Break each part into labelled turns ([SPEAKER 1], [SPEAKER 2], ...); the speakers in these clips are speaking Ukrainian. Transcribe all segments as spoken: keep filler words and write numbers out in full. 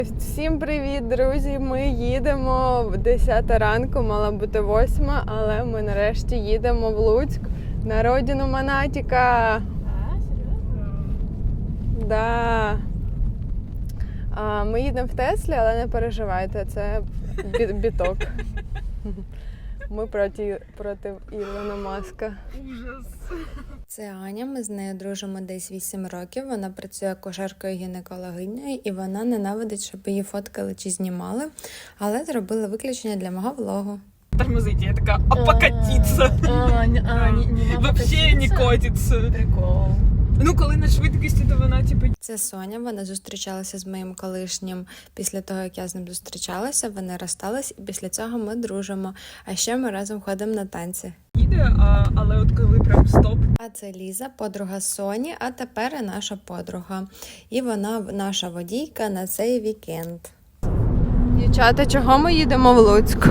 [SPEAKER 1] Всім привіт, друзі! Ми їдемо в десята ранку, мала бути восьма, але ми нарешті їдемо в Луцьк на родину Монатіка.
[SPEAKER 2] А, серйозно?
[SPEAKER 1] Да. А, ми їдемо в Теслі, але не переживайте, це бі- біток. Ми проти, проти Ілона Маска.
[SPEAKER 2] Ужас.
[SPEAKER 3] Це Аня, ми з нею дружимо десь вісім років. Вона працює акушеркою-гінекологинею і вона ненавидить, щоб її фоткали чи знімали, але зробила виключення для мого влогу.
[SPEAKER 2] Тормозите, я такая, а покатиться.
[SPEAKER 4] А, не, а, не, не
[SPEAKER 2] Вообще не котиться.
[SPEAKER 4] Прикол.
[SPEAKER 2] Ну, коли на швидкості, то вона, типу,
[SPEAKER 3] Це Соня, вона зустрічалася з моїм колишнім після того, як я з ним зустрічалася, вони розстались, і після цього ми дружимо. А ще ми разом ходимо на танці.
[SPEAKER 2] їде, а, але от коли прям стоп.
[SPEAKER 3] А це Ліза, подруга Соні, а тепер і наша подруга. І вона наша водійка на цей вікенд.
[SPEAKER 1] Дівчата, чого ми їдемо в Луцьк?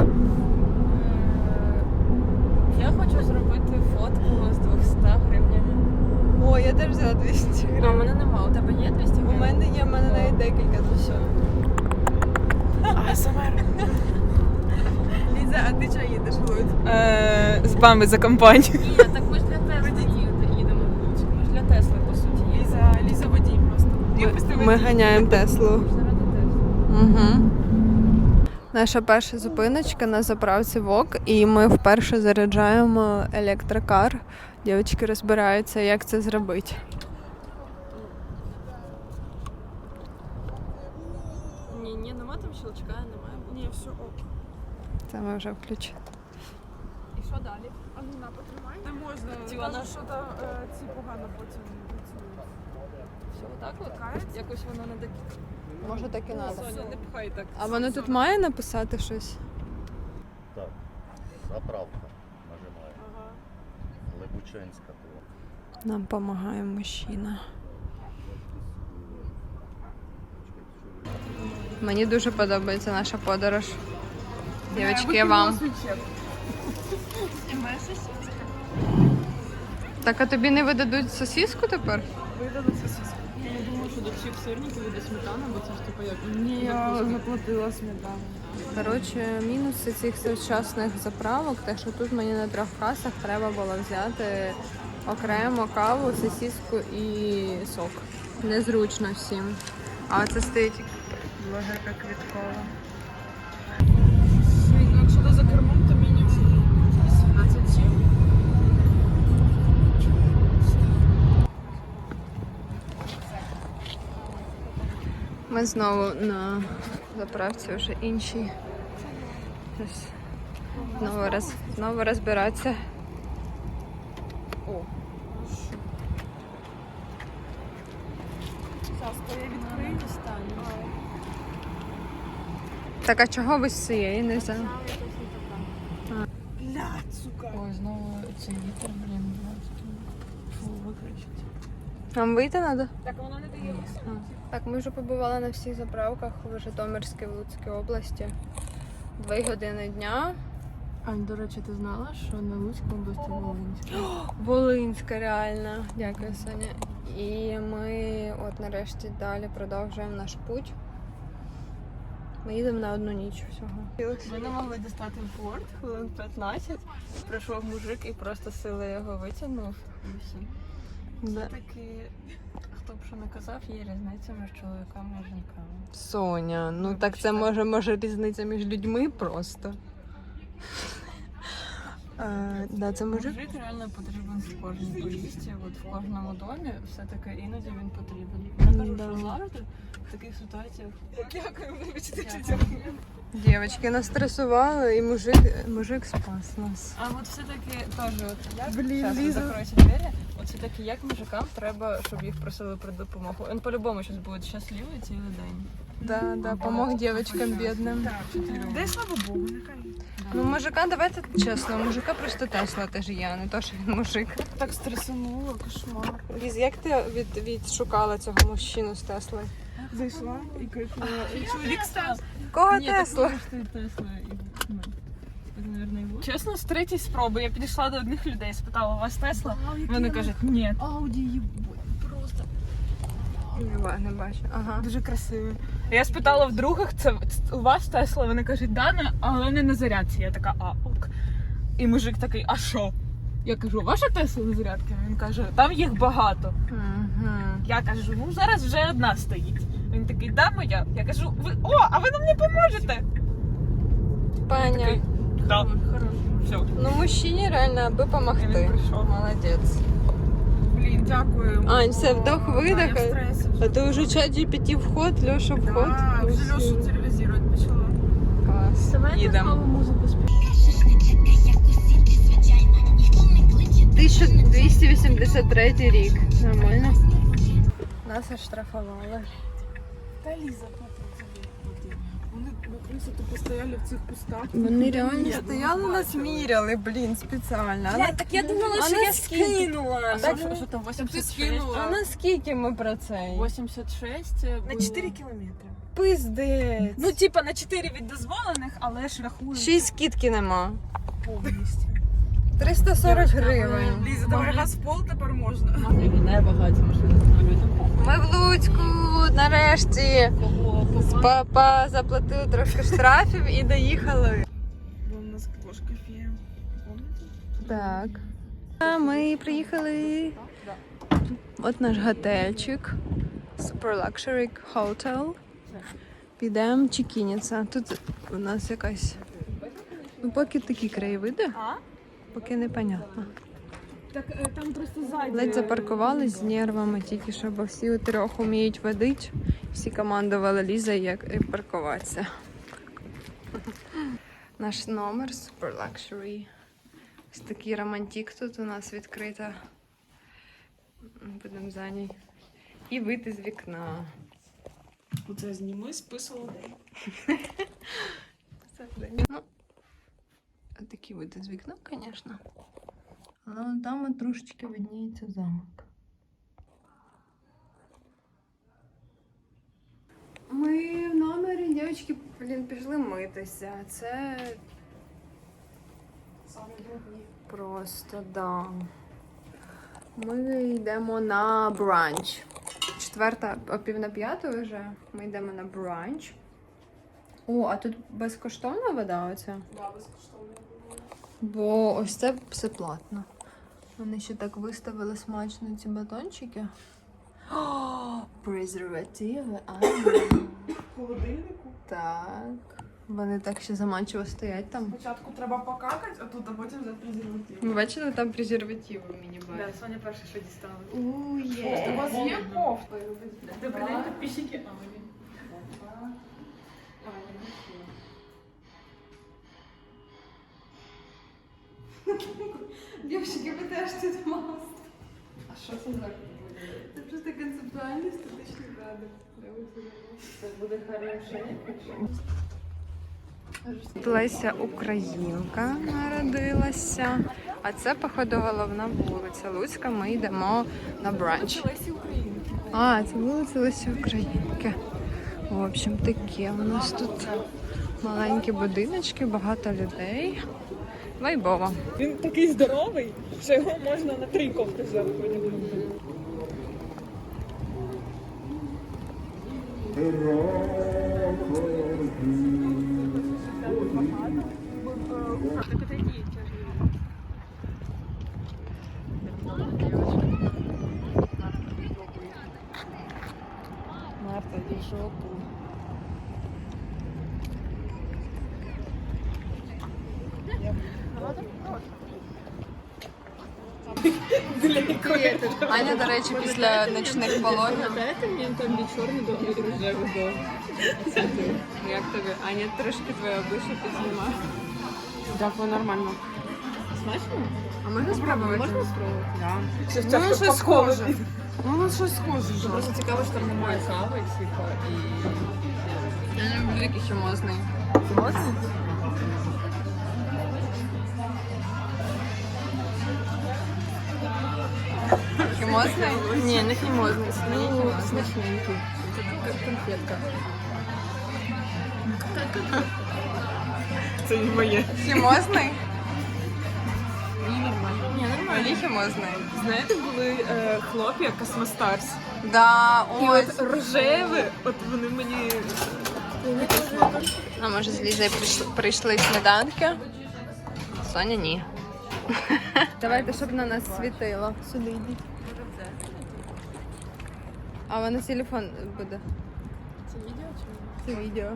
[SPEAKER 4] Я хочу зробити фотку з двохсот гривнями.
[SPEAKER 1] О, я теж взяла двісті
[SPEAKER 4] А у мене нема. У тебе є двісті
[SPEAKER 1] У
[SPEAKER 4] гривень?
[SPEAKER 1] мене є, в мене навіть декілька.
[SPEAKER 4] Ну все. А, сама.
[SPEAKER 1] Ліза, а ти чого їдеш в Луцьк?
[SPEAKER 2] Е, з вами за компанію.
[SPEAKER 4] Ні, так ми ж для Тесли їде- їдемо в Луцьк. Ми ж для Тесли, по суті, їдемо.
[SPEAKER 2] Ліза, Ліза водій просто.
[SPEAKER 1] Ми, ми ганяємо Теслу.
[SPEAKER 4] Заради Тесли.
[SPEAKER 1] Угу. Наша перша зупиночка на заправці ВОК, і ми вперше заряджаємо електрокар. Дівчатки розбираються, як це зробити.
[SPEAKER 4] Ні, ні, нема там щелчка, немає. Ні, все ок.
[SPEAKER 1] Це ми вже включили.
[SPEAKER 4] І що далі?
[SPEAKER 2] А ну на, потримай. Не
[SPEAKER 4] Ті,
[SPEAKER 2] можна.
[SPEAKER 4] вона-
[SPEAKER 2] Кажуть, що там е, ці погано потім працюють.
[SPEAKER 4] Все отак от? Якось воно не таке.
[SPEAKER 1] Може так і треба.
[SPEAKER 2] Соня, не пхай так.
[SPEAKER 1] А воно тут має написати щось?
[SPEAKER 5] Так, заправка нажимає.
[SPEAKER 2] Ага.
[SPEAKER 5] Лебученська була.
[SPEAKER 1] Нам допомагає мужчина. Мені дуже подобається наша подорож. Дівчатки, вам. Так, а тобі не видадуть сосиску тепер?
[SPEAKER 2] Видали сосиску.
[SPEAKER 4] Я не думаю, що до всіх сирників іде сметана, бо це ж типу як...
[SPEAKER 2] Ні, я заплатила сметану.
[SPEAKER 1] Коротше, мінуси цих сучасних заправок, те, що тут мені на трьох касах треба було взяти окремо каву, сосиску і сок. Незручно всім. А оце стоїть блогерка Квіткова.
[SPEAKER 2] Ну, якщо ти за кермом, то мінімум сімнадцять сім.
[SPEAKER 1] Ми знову на заправці вже іншій. Щось Знову, роз, знову розбиратися. О.
[SPEAKER 2] Зараз, коли я відкрию,
[SPEAKER 1] Так, а чого ви з цієї не взяли?
[SPEAKER 2] блядь, сука.
[SPEAKER 4] Ой, знову цей вітер, блін, фу, виключить.
[SPEAKER 1] Нам вийти треба?
[SPEAKER 2] Так воно не дає висунути.
[SPEAKER 1] Так, ми вже побували на всіх заправках в Житомирській, в Луцькій області. Дві години дня.
[SPEAKER 4] Ань, до речі, ти знала, що на Луцьку області Волинська?
[SPEAKER 1] Волинська, реально. Дякую, Соня. І ми от нарешті далі продовжуємо наш путь. Ми їдемо на одну ніч всього.
[SPEAKER 4] Ми не могли дістати порт, хвилин п'ятнадцять. Прийшов мужик і просто силою його витягнув. І все.
[SPEAKER 1] Да.
[SPEAKER 4] Таки, хто б що не казав, є різниця між чоловіками і жінками.
[SPEAKER 1] Соня, ну так це може, може різниця між людьми просто. А, да, це мужик.
[SPEAKER 4] Мужик реально потрібен в кожній поїздці, от в кожному домі, все-таки іноді він потрібен. Я кажу,
[SPEAKER 1] Да.
[SPEAKER 4] що завжди в таких ситуаціях.
[SPEAKER 2] Дякую, вибачте,
[SPEAKER 4] Дякую.
[SPEAKER 2] дякую.
[SPEAKER 1] Дівчатки нас стресували, і мужик, мужик спас нас.
[SPEAKER 4] А от все-таки теж, от як,
[SPEAKER 2] Блін,
[SPEAKER 4] Щас, ви
[SPEAKER 2] Ліза.
[SPEAKER 4] закройте двері, от все-таки як мужикам треба, щоб їх просили про допомогу. Він по-любому щось буде щасливий цілий день.
[SPEAKER 1] Да, да, помог дівчаткам бідним.
[SPEAKER 2] Дай слава Богу, нехай.
[SPEAKER 1] Ну, мужика, давайте чесно, у мужика просто Тесла теж є, а не то, що він мужик.
[SPEAKER 2] Так стресануло, кошмар.
[SPEAKER 1] Ліз, як ти від, відшукала цього мужчину з Теслою?
[SPEAKER 2] Зайшла і кайфувала. І чоловік став.
[SPEAKER 1] Кого
[SPEAKER 4] Ні,
[SPEAKER 1] Тесла?
[SPEAKER 4] так думаю, що Тесла і, ну, це, мабуть, і буде.
[SPEAKER 2] Чесно, з третьої спроби я підійшла до одних людей, спитала, у вас Тесла? Вони кажуть, ні.
[SPEAKER 4] Ауді, їбать, просто.
[SPEAKER 1] Не, ба- не бачу. Ага.
[SPEAKER 2] Дуже красивий. Я спитала в других, це це у вас Тесла? Вони кажуть, да, не- але не на зарядці. Я така, а ок. І мужик такий, а що? Я кажу, ваша Тесла на зарядці? Він каже, там їх багато. Я кажу, ну зараз вже одна стоїть. Він такий, да, моя? Я кажу, ви о, а ви нам не поможете?
[SPEAKER 1] Паня.
[SPEAKER 2] Такий, да. Все.
[SPEAKER 1] Ну, мужчині реально, аби
[SPEAKER 2] І він
[SPEAKER 1] помогти.
[SPEAKER 2] прийшов.
[SPEAKER 1] Молодець.
[SPEAKER 2] Блін, дякую.
[SPEAKER 1] Ань, все, вдох, видох. А ти вже чат джі пі ті вход, Льоша вход.
[SPEAKER 2] Да, вже Льошу телевізувати почала.
[SPEAKER 1] Клас. Їдемо.
[SPEAKER 2] музику
[SPEAKER 1] тисяча двісті вісімдесят третій рік. Нормально. Нас оштрафували.
[SPEAKER 2] Та Ліза, плати. Вони накрися, тупо стояли в цих кустах.
[SPEAKER 1] Вони реально стояли, нас міряли, блін, спеціально. А на-
[SPEAKER 2] так я думала,
[SPEAKER 1] а
[SPEAKER 2] що я
[SPEAKER 1] наскільки?
[SPEAKER 2] скинула.
[SPEAKER 1] Так,
[SPEAKER 2] Так, що, що там вісімдесят шість?
[SPEAKER 1] А наскільки ми про це?
[SPEAKER 2] вісімдесят шість
[SPEAKER 4] На
[SPEAKER 2] було.
[SPEAKER 4] чотири кілометри.
[SPEAKER 1] Пиздець.
[SPEAKER 2] Ну, типа на чотири від дозволених, але ж рахуємо
[SPEAKER 1] Ще й скидки нема.
[SPEAKER 2] повністю.
[SPEAKER 1] триста сорок гривень.
[SPEAKER 4] Ліза, давай газ в пол тепер можна.
[SPEAKER 2] Не багаті машини.
[SPEAKER 1] Ми в Луцьку, нарешті. Папа заплатили трошки штрафів і доїхали.
[SPEAKER 4] Бо у нас кошка фея. Помните?
[SPEAKER 1] Так. А ми приїхали. От наш готельчик. Super Luxury Hotel. Підемо чекініться. Тут у нас якась. Ну, поки такі краєвиди.
[SPEAKER 2] А?
[SPEAKER 1] Поки непонятно.
[SPEAKER 2] Так е, там просто ззаді.
[SPEAKER 1] Ледь запаркувались з нервами, тільки що, бо всі у трьох вміють водити. Всі командували Ліза, як паркуватися. Наш номер Super Luxury. Ось такий романтик тут у нас відкрито. Будемо за ній. І вийти з вікна.
[SPEAKER 4] Оце зніми список людей.
[SPEAKER 1] Ну, такі вийти з вікна, звісно. Але вон там от трошечки видніється замок. Ми в номері, дівчатки, блін, пішли митися. Це просто, да. Ми йдемо на бранч. Четверта, о пів на п'яту вже. Ми йдемо на бранч. О, а тут безкоштовна вода оця?
[SPEAKER 4] Да, безкоштовно.
[SPEAKER 1] Бо ось це все платно. Вони ще так виставили смачно ці батончики. О, презервативи, а
[SPEAKER 4] В холодильнику.
[SPEAKER 1] так. Вони так ще заманчиво стоять там.
[SPEAKER 4] Спочатку треба покакати, а тут а потім взяти презерватив.
[SPEAKER 1] Ми бачили там презервативи в міні-барі.
[SPEAKER 2] Да, Соня перша, що дістала.
[SPEAKER 1] У,
[SPEAKER 4] У вас є кофта?
[SPEAKER 2] Добрий день, підписчики. А, мені.
[SPEAKER 1] Дівчатки, ви теж тут маст. А що це за? Це просто концептуальний статичний кадр.
[SPEAKER 2] Це буде хороше.
[SPEAKER 1] Леся Українка народилася. А це, походу, головна вулиця Луцька. Ми йдемо на бранч.
[SPEAKER 2] Лесі Українки.
[SPEAKER 1] А, це вулиця Лесі Українки. В общем, таке у нас тут маленькі будиночки, багато людей. Вайбово.
[SPEAKER 2] Він такий здоровий, що його можна на три кофти зверху одягнути. Так отойди,
[SPEAKER 1] Марта, иди в жопу. Аня, до речі, після ночних пологів.
[SPEAKER 2] Дайте мені там від чорний до рожевий до.
[SPEAKER 1] Як тобі? Аня, трошки твоє обличчя підзнімає.
[SPEAKER 2] Дякую, нормально. Смачно?
[SPEAKER 1] А можна спробувати?
[SPEAKER 2] Можна спробувати?
[SPEAKER 1] Да.
[SPEAKER 2] Це
[SPEAKER 1] Ну, щось схоже.
[SPEAKER 4] Ну, щось схоже.
[SPEAKER 2] Просто цікаво, що там немає кави, типа, і...
[SPEAKER 1] Я не люблю такий хімозний.
[SPEAKER 2] Можна?
[SPEAKER 1] Хімозний? Ні, не хімозний.
[SPEAKER 2] Ну, смачненький. Як конфетка. Це не моє.
[SPEAKER 1] Хімозний?
[SPEAKER 2] Ні, нормально. Ні, нормально.
[SPEAKER 1] Мені хімозний.
[SPEAKER 2] Знаєте, були е, хлоп'я Космостарс.
[SPEAKER 1] Да,
[SPEAKER 2] І
[SPEAKER 1] ось.
[SPEAKER 2] от рожеві, от вони мені.
[SPEAKER 1] А може з Лізою прийшли, прийшли сніданки? Соня ні. Давайте, щоб на нас світило. Сюди йдіть. А вона телефон буде.
[SPEAKER 2] Це відео чи?
[SPEAKER 1] Це відео.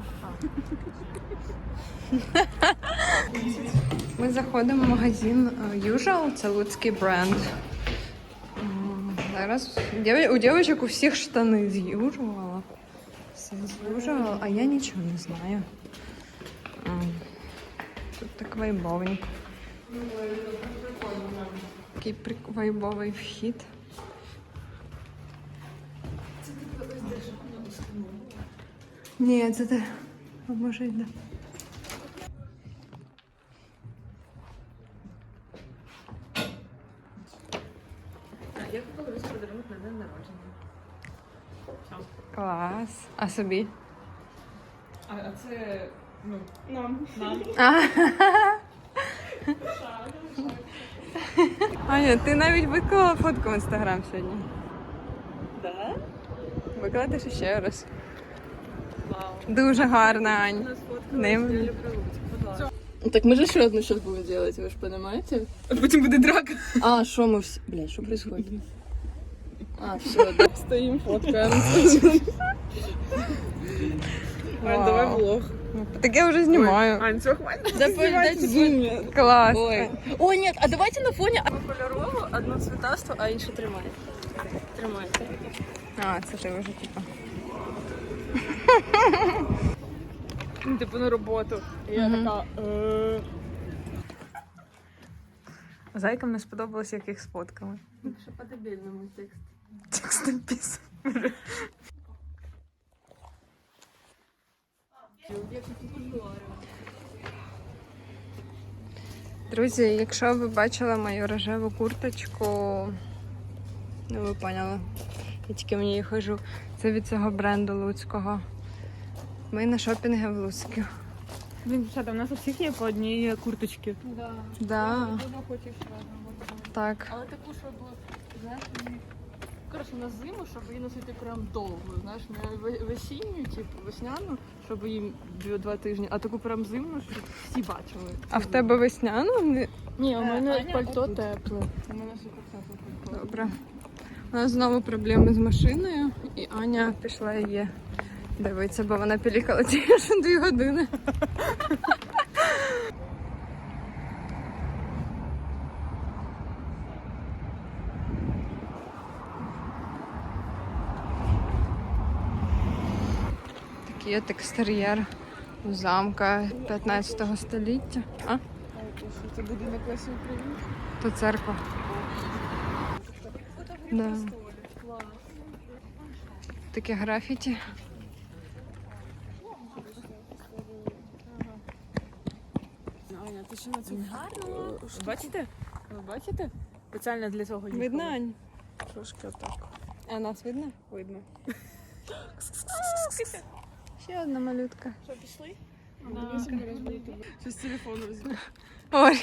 [SPEAKER 1] Ми заходимо в магазин Usual, це луцький бренд. М, Зараз дів- у дівчинок у всіх штани з Usual. Все з Usual, а я нічого не знаю. М, Тут так вайбовенько. Такий прик- вайбовий вхід. Ні, це те. А може йде.
[SPEAKER 2] Я купила весь подарунок на день народження.
[SPEAKER 1] Клас. А собі?
[SPEAKER 2] А, а це, ну, нам. Нам.
[SPEAKER 1] Аня, ти навіть виклала фотку в інстаграм сьогодні.
[SPEAKER 2] Да?
[SPEAKER 1] Викладеш ще раз.
[SPEAKER 2] Вау.
[SPEAKER 1] Дуже гарна, Ань. Ним.
[SPEAKER 2] Я люблю Луцьк, будь ласка.
[SPEAKER 4] Так мы же еще одну сейчас будем делать, вы же понимаете?
[SPEAKER 2] А потім буде драка.
[SPEAKER 4] А, что мы все... Блядь, что происходит? А, все, да. Стоим, фоткаем.
[SPEAKER 2] Ань, давай влог.
[SPEAKER 1] Так я вже знімаю.
[SPEAKER 2] Ань, все, хватит.
[SPEAKER 4] Да дайте зум.
[SPEAKER 1] Клас.
[SPEAKER 4] Ой. Ой, нет, а давайте на фоне одну кольорову, одну цвітасту, а іншу тримай. Тримайте.
[SPEAKER 1] А, це ти вже типу.
[SPEAKER 2] Ну, типу на роботу. І я така. е,
[SPEAKER 1] Зайкам не сподобалось, як їх сфоткали.
[SPEAKER 4] Що по-дебільному текст.
[SPEAKER 1] Текст написан. Друзі, якщо ви бачили мою рожеву курточку, ну ви поняли, я тільки в ній хожу. Це від цього бренду луцького. Ми на шопінги в Луцьку.
[SPEAKER 2] Блін, дівчата, у нас у всіх є по одній курточці.
[SPEAKER 4] Да.
[SPEAKER 1] Да,
[SPEAKER 4] Вона хоче разом.
[SPEAKER 1] так.
[SPEAKER 4] Але таку, щоб, знаєш, мені- коротше, на зиму, щоб її носити прям довго, знаєш, не ве- весінню, типу, весняну, щоб її дві- два тижні, а таку прям зимну, щоб всі бачили.
[SPEAKER 1] А в тебе весняно? Не-
[SPEAKER 4] Ні, у мене
[SPEAKER 2] Аня,
[SPEAKER 4] пальто
[SPEAKER 2] отут.
[SPEAKER 4] тепле. У мене супер тепле пальто.
[SPEAKER 1] Добре. У нас знову проблеми з машиною, і Аня пішла її дивитися, бо вона пілікала тільки що дві години. Такий от екстер'єр у замка п'ятнадцятого століття. А?
[SPEAKER 2] Це будинок Лесі України.
[SPEAKER 1] То церква. Да. Таке графіті.
[SPEAKER 2] Аня, ти що на цю гарно? Бачите? Ви бачите? Спеціально для цього їхали.
[SPEAKER 1] Видно, Ань?
[SPEAKER 2] Трошки отак.
[SPEAKER 1] А нас видно?
[SPEAKER 2] Видно.
[SPEAKER 1] Ще одна малютка.
[SPEAKER 2] Що, пішли? Щось телефон візьму.
[SPEAKER 1] Ой.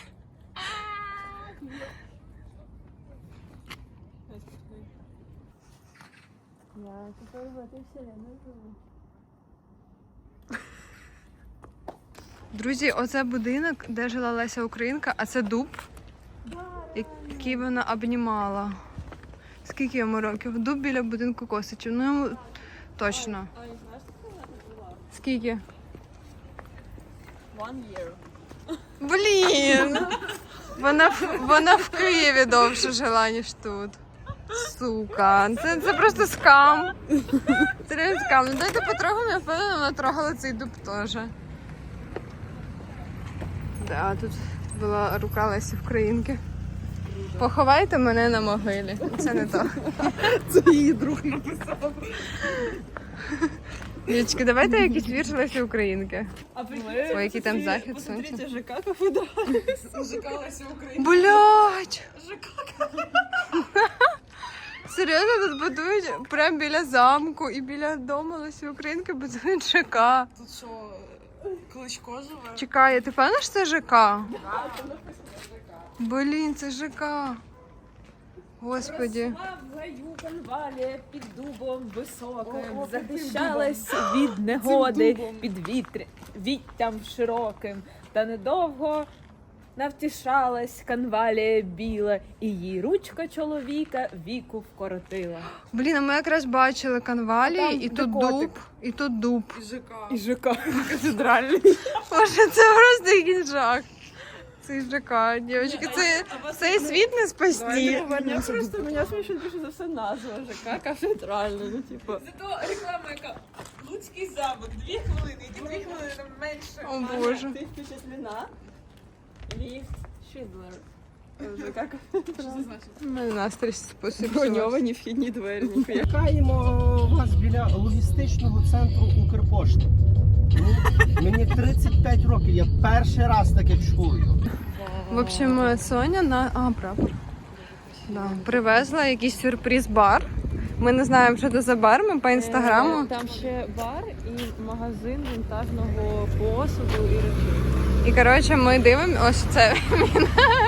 [SPEAKER 1] Друзі, оце будинок, де жила Леся Українка, а це дуб, який вона обнімала. Скільки йому років? Дуб біля будинку Косичів. Ну йому точно. Скільки?
[SPEAKER 4] One year.
[SPEAKER 1] Блін! Вона, в- вона в Києві довше жила, ніж тут. Сука, це, це просто скам. Це реально скам. Ну дайте потрогаємо, я впевнена, вона трогала цей дуб теж. Да, тут була рука Лесі Українки. Поховайте мене на могилі. Це не то.
[SPEAKER 2] Це її друг написав.
[SPEAKER 1] Дівчатки, давайте якийсь вірш Лесі Українки.
[SPEAKER 2] А
[SPEAKER 1] Ой, який там захід сонця.
[SPEAKER 2] Посмотрите, ЖК как выдавались. ЖК Леся Україна.
[SPEAKER 1] Блять! Серйозно, тут будують прямо біля замку і біля дому Лесі Українки будують ЖК.
[SPEAKER 2] Тут що, Кличко живе?
[SPEAKER 1] Чекай, ти певна, що це ЖК? Блін, це ЖК. Господі.
[SPEAKER 2] В гаю конвалі під дубом високим, захищалась від негоди, під вітря, віттям широким, та недовго навтішалась конвалія біла, і її ручка чоловіка віку вкоротила.
[SPEAKER 1] Блін, а ми якраз бачили конвалі,
[SPEAKER 2] А там
[SPEAKER 1] і тут
[SPEAKER 2] котик.
[SPEAKER 1] дуб, і тут дуб.
[SPEAKER 2] І ЖК катедральний.
[SPEAKER 1] Боже, це просто якийсь жах. Це ЖК, дівчатки, це цей світ не спасти.
[SPEAKER 4] Мене просто мене смішить більше за все назва ЖК кафедральна, ну типу.
[SPEAKER 2] Зато реклама яка. Луцький замок, дві хвилини, і дві хвилини там менше.
[SPEAKER 1] О боже.
[SPEAKER 4] Ти впечатлена? Ліфт Шідлер. ЖК кафедральна.
[SPEAKER 1] У мене настрій спосіб.
[SPEAKER 4] Броньовані вхідні двері, ніхуя.
[SPEAKER 6] Чекаємо вас біля логістичного центру Укрпошти. Мені- Мені тридцять п'ять років, я перший раз таке чую.
[SPEAKER 1] В общем, Соня на а, прапор. Да. Привезла якийсь сюрприз-бар. Ми не знаємо, що це за бар, ми по інстаграму.
[SPEAKER 4] Там ще бар і магазин вінтажного посуду і речей.
[SPEAKER 1] І коротше, ми дивимося, ось це він.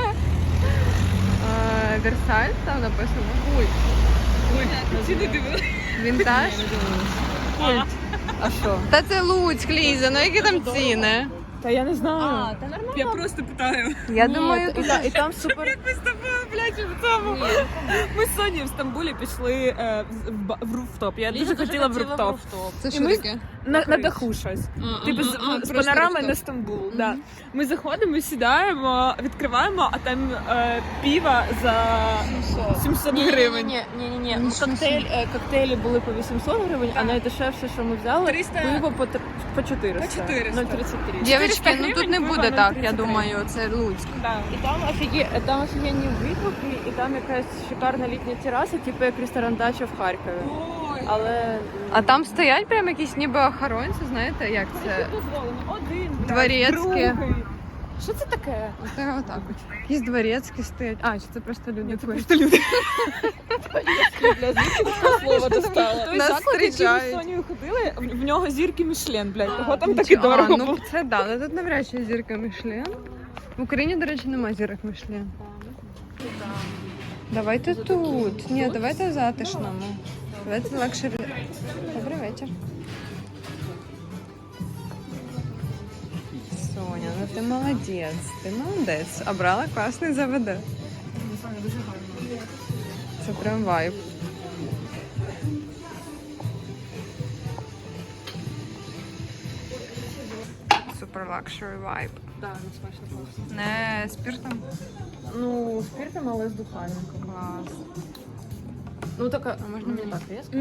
[SPEAKER 1] Е, Версаль там написано. Культ.
[SPEAKER 2] Ці не дивилися.
[SPEAKER 1] Вінтаж. Культ.
[SPEAKER 4] А що?
[SPEAKER 1] Та це Луцьк, Ліза, ну які там ціни?
[SPEAKER 4] Та я не знаю.
[SPEAKER 2] та нормально. Я просто питаю.
[SPEAKER 1] Я
[SPEAKER 4] Ні,
[SPEAKER 1] думаю,
[SPEAKER 4] і, та- і там супер.
[SPEAKER 2] Ми з тобою, блядь, в цьому. Ми з Сонєю в Стамбулі пішли е, в, в, ба- в руфтоп. Я дуже хотіла в руфтоп.
[SPEAKER 1] це
[SPEAKER 2] І
[SPEAKER 1] що
[SPEAKER 2] ми-
[SPEAKER 1] таке?
[SPEAKER 2] На, на даху щось. Типу з, з панорами на Стамбул. Да. Ми заходимо, сідаємо, відкриваємо, а там е, піва за сімсот гривень.
[SPEAKER 4] Ні, ні, ні, ні. Коктейль, е, коктейлі були по вісімсот гривень, а найдешевше, що ми взяли,
[SPEAKER 2] триста.
[SPEAKER 4] пиво по, тр- по чотириста.
[SPEAKER 2] По чотириста.
[SPEAKER 4] нуль тридцять три.
[SPEAKER 1] Дівчатки, ну тут не
[SPEAKER 2] гривень,
[SPEAKER 1] буде
[SPEAKER 2] пиво
[SPEAKER 1] так,
[SPEAKER 2] на
[SPEAKER 1] я
[SPEAKER 2] тридцять
[SPEAKER 1] думаю, це Луцьк.
[SPEAKER 2] Да.
[SPEAKER 4] І там, офіге... там офігенні витвуки, і там якась шикарна літня тераса, типу як ресторан «Дача» в Харкові. Але
[SPEAKER 1] А там стоять прям якісь ніби охоронці, знаєте, як це?
[SPEAKER 2] дозволено. Один, блядь,
[SPEAKER 1] Дворецькі.
[SPEAKER 2] другий. Що це таке?
[SPEAKER 1] Це отак от. Якісь дворецькі стоять. А, чи це просто люди?
[SPEAKER 2] Це просто люди.
[SPEAKER 4] Бля, звідки таке слово достала?
[SPEAKER 2] Той
[SPEAKER 1] Нас
[SPEAKER 2] заклад, який ми з
[SPEAKER 1] зустрічають.
[SPEAKER 2] Сонею ходили, в в нього зірки Мішлен, блядь. Того там
[SPEAKER 1] Нічого.
[SPEAKER 2] таки дорого
[SPEAKER 1] А, ну
[SPEAKER 2] було.
[SPEAKER 1] це да, але тут навряд чи зірка Мішлен. В Україні, до речі, немає зірок Мішлен. Давайте тут. Ні, давайте в затишному. Давайте лакшері. Добрий вечір. Соня, ну ти молодець. Ти молодець. Обрала класний ЗВД. Це прям вайб. Супер лакшері вайб.
[SPEAKER 4] Так, не смачно просто.
[SPEAKER 1] Не спиртом?
[SPEAKER 4] Ну, спиртом, але з духами.
[SPEAKER 1] Клас.
[SPEAKER 4] Ну, така, а можна мені так різко?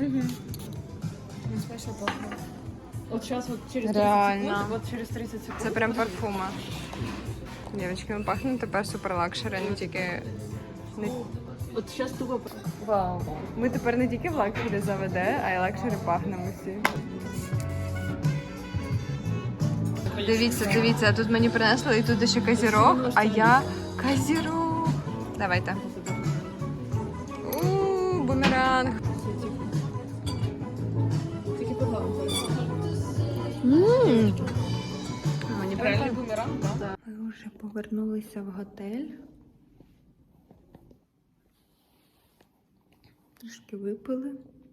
[SPEAKER 4] Не смачно пахне. От зараз, от через тридцять
[SPEAKER 1] Реально.
[SPEAKER 4] секунд, от через тридцять секунд.
[SPEAKER 1] Це прям парфума. Дівчатки, ми пахнемо тепер супер лакшері, не тільки. Не...
[SPEAKER 4] От зараз тупо... Вау.
[SPEAKER 1] Ми тепер не тільки в лакшері заведе, а й лакшері пахнемо всі. Дивіться, дивіться, тут мені принесли і тут ще козірог, а я козірог. Давайте. Ууу, бумеранг.
[SPEAKER 4] Тільки подлагу.
[SPEAKER 1] Ммм. Мені
[SPEAKER 2] Реальний
[SPEAKER 1] прикольно.
[SPEAKER 2] бумеранг, так?
[SPEAKER 3] Ми вже повернулися в готель. Трішки випили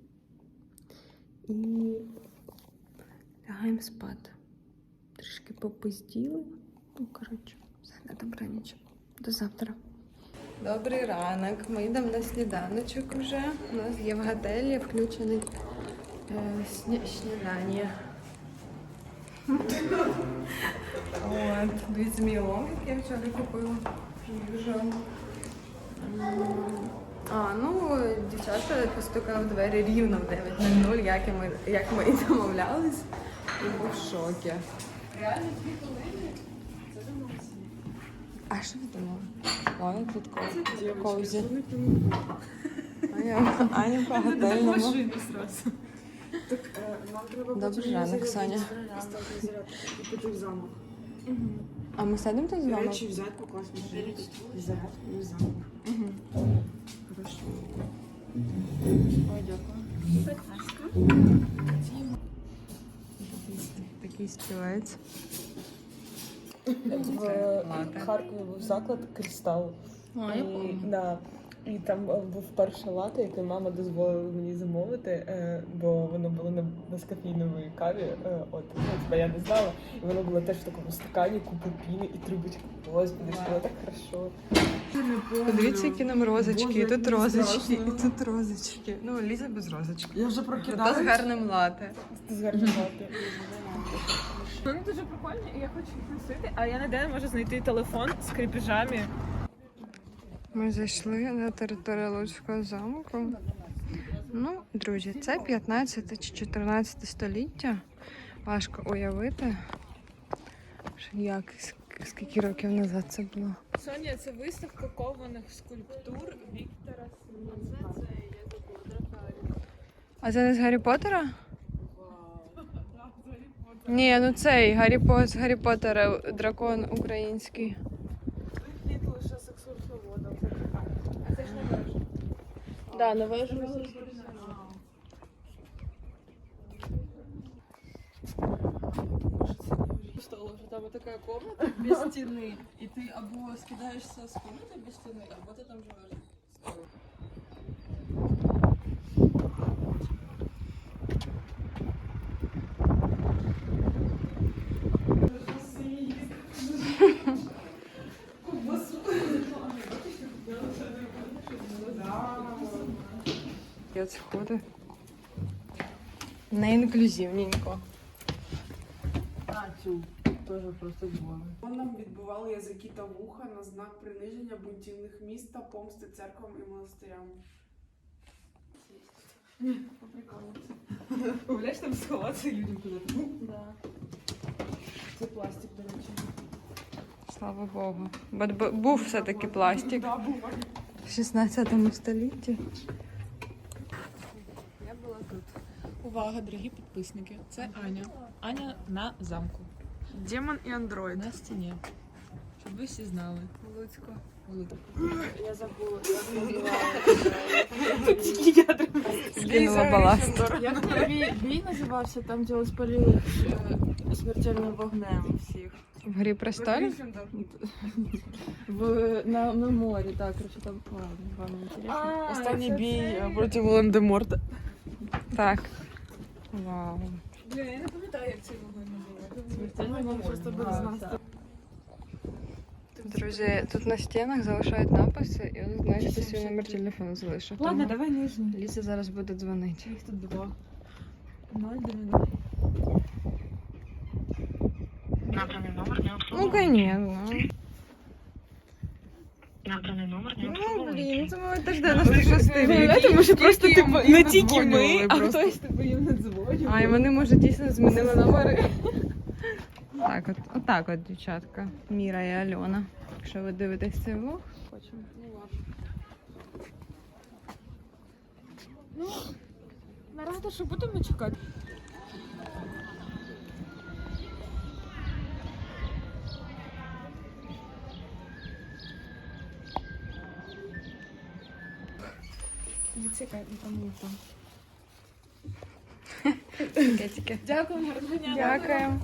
[SPEAKER 3] і лягаємо спати. Трішки попизділи. Ну, коротше, все на добраніч. До завтра. Добрий ранок. Ми йдемо на сніданочок уже. У нас є в готелі включений е, сні... снідання. От, дві зміло, які я вчора купила. Їжу. М, А, ну, дівчата постукали в двері рівно в дев'ять нуль нуль, як і ми, як ми і домовлялись. І був в шокі. Реально дві хвилини? Це домовилися. А що ви думали? Ой, тут ковзі. Аня, Аня по готельному. Добрий ранок, Соня.
[SPEAKER 7] І піти в замок.
[SPEAKER 1] А ми сидимо тут з вами?
[SPEAKER 7] Речі взяти, покласти в взяти і в замок. Хорошо.
[SPEAKER 4] Ой, дякую.
[SPEAKER 1] Такий стілець.
[SPEAKER 2] В Харкові був заклад «Кристал».
[SPEAKER 4] А, я
[SPEAKER 2] І,
[SPEAKER 4] помню.
[SPEAKER 2] да. І там е, був перше лате, яке мама дозволила мені замовити, е, бо воно було на безкофійновій каві. Е, от, ну, типа, я не знала. І воно було теж в такому стакані, купу піни і трубочку. Господи, що було так хорошо.
[SPEAKER 3] Подивіться, які нам розочки.
[SPEAKER 2] Боже,
[SPEAKER 3] І тут
[SPEAKER 2] як
[SPEAKER 3] розочки,
[SPEAKER 2] страшно.
[SPEAKER 3] і тут розочки. Ну, Ліза без розочки.
[SPEAKER 2] Я вже
[SPEAKER 3] Та з
[SPEAKER 2] прокидалась.
[SPEAKER 3] гарним лате.
[SPEAKER 2] З гарним лате. Вони дуже прикольні, і я хочу їх носити, а я ніде не можу знайти телефон з кріпежами.
[SPEAKER 3] Ми зайшли на територію Луцького замку. Ну, друзі, це п'ятнадцяте чи чотирнадцяте століття. Важко уявити, що як, ск- скільки років назад це було.
[SPEAKER 2] Соня, це виставка кованих скульптур Віктора Симонса.
[SPEAKER 3] А це не з Гаррі Поттера? Ні, ну цей Гаррі, По... з Гаррі Поттера дракон український.
[SPEAKER 2] Вихід лише з екскурсоводом. А це ж не вежа.
[SPEAKER 1] Да, на вежу.
[SPEAKER 4] Стало, що там така комната без стіни, і ти або скидаєшся з комнати без стіни, або ти там живеш.
[SPEAKER 3] Є сходи. Не інклюзивненько.
[SPEAKER 8] Нам відбували язики та вуха на знак приниження бунтівних міст та помсти церквам і монастирям.
[SPEAKER 2] Уявляєш, там сховатися людям куди-то.
[SPEAKER 4] Да.
[SPEAKER 2] Це пластик, до речі.
[SPEAKER 3] Слава Богу. Бо б- був все-таки пластик. В шістнадцятому столітті.
[SPEAKER 2] Увага, дорогі підписники. Це Аня. Аня на замку.
[SPEAKER 8] Демон і андроїд.
[SPEAKER 2] На стіні. Щоб ви всі знали.
[SPEAKER 3] Луцько.
[SPEAKER 4] Я забула.
[SPEAKER 3] Скинула баласт.
[SPEAKER 4] Як той бій, бій називався, там де спалили е, смертельним вогнем всіх.
[SPEAKER 3] В Грі престолів?
[SPEAKER 4] В, на, на морі, так, короче, там ладно, вам не інтересно.
[SPEAKER 8] Останній бій е, проти Волан-де-Морта.
[SPEAKER 3] Так. Вау.
[SPEAKER 2] Бля, я не пам'ятаю, як цей вогонь називається.
[SPEAKER 4] Смертельний вогонь просто без нас.
[SPEAKER 3] Друзі, тут на стінах залишають написи, і от знаєш, хто свій номер телефону залишив.
[SPEAKER 2] Ладно,
[SPEAKER 3] Тому
[SPEAKER 2] давай нижній.
[SPEAKER 3] Ліза зараз буде дзвонити.
[SPEAKER 2] Їх тут два. Ноль дев'яносто.
[SPEAKER 3] Ну, конечно. Ну, блін, це ми теж дев'яносто шостий рік.
[SPEAKER 2] Тому що просто
[SPEAKER 3] Тільки
[SPEAKER 2] типу,
[SPEAKER 3] їм
[SPEAKER 2] не тільки
[SPEAKER 3] надзвонювали
[SPEAKER 2] ми, а
[SPEAKER 3] просто.
[SPEAKER 2] хтось типу їм не дзвонив.
[SPEAKER 3] А, і вони, може, дійсно змінили номери. Так, от, отак от, дівчатка. Міра і Альона. Якщо ви дивитесь цей влог.
[SPEAKER 2] Наразі що будемо чекати? Не цікаво, там не там.
[SPEAKER 3] Кетики.
[SPEAKER 2] Дякую, гарного дня.
[SPEAKER 3] Дякуємо.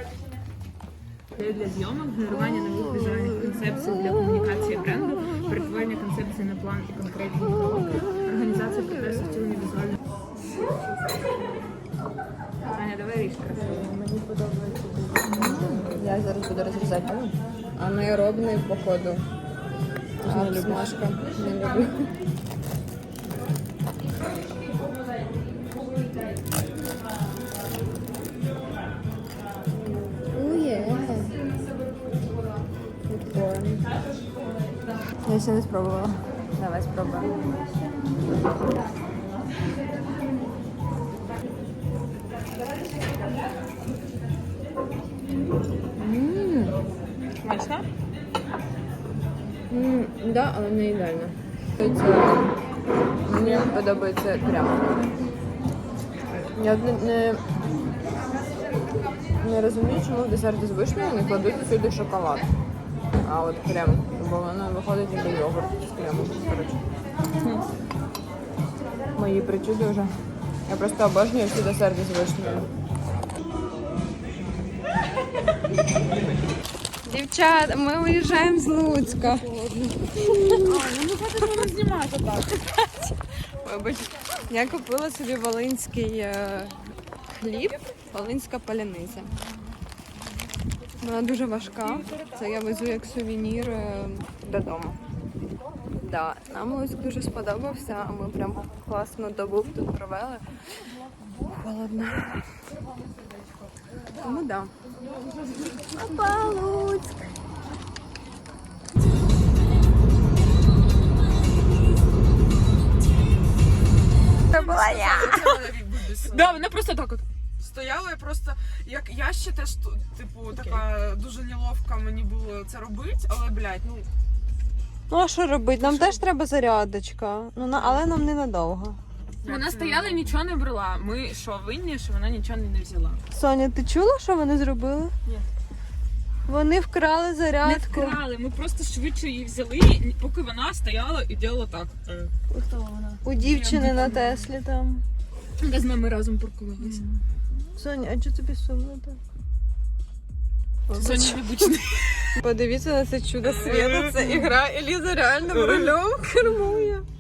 [SPEAKER 2] Для зйомок, генерування нових візуальних концепцій для комунікації бренду, перетворення концепції на план і конкретні кроки, організація процесу втілення візуальних. Аня, давай ріж красиво. Мені подобається.
[SPEAKER 3] Я зараз буду розрізати. Анаеробний, походу. А, смажка. Не люблю. Я ще не спробувала. Давай спробуємо. Ммм.
[SPEAKER 2] Смачно?
[SPEAKER 3] Ммм, да, але не ідеально. Це, мені подобається прямо. Я не, не, не розумію, чому в десерті з вишнею не кладуть сюди шоколад. А от крем, бо воно виходить ніби йогурт з кремом, коротше. Мої причуди вже. Я просто обожнюю всі десерти з вишнею. Дівчата.
[SPEAKER 1] Дівчата, ми виїжджаємо з Луцька.
[SPEAKER 2] Знімати так.
[SPEAKER 1] Вибач. Я купила собі волинський е, хліб, волинська паляниця. Вона дуже важка. Це я везу як сувенір е, додому. Да, нам Луцьк дуже сподобався, а ми прям класну добу тут провели. Холодно. Тому да. Опа, Луцьк! Це була я!
[SPEAKER 2] Да, вона просто так от.
[SPEAKER 8] Стояла я просто, як я ще теж, типу, така дуже неловка мені було це робити, але, блядь, ну,
[SPEAKER 1] Ну а що робити? Нам теж треба зарядочка. Ну, на- але нам ненадовго.
[SPEAKER 2] Вона стояла і нічого не брала. Ми що, винні, що вона нічого не взяла.
[SPEAKER 1] Соня, ти чула, що вони зробили?
[SPEAKER 2] Ні.
[SPEAKER 1] Вони вкрали
[SPEAKER 2] Не
[SPEAKER 1] зарядку.
[SPEAKER 2] вкрали, ми просто швидше її взяли, поки вона стояла і робила так.
[SPEAKER 1] У дівчини на Теслі там.
[SPEAKER 2] Де з нами разом паркувалися.
[SPEAKER 1] Соня, а чого тобі сумно так?
[SPEAKER 2] Соня вибачте.
[SPEAKER 1] Подивіться на це чудо світу. Це ігра Еліза реальним рулем кермує.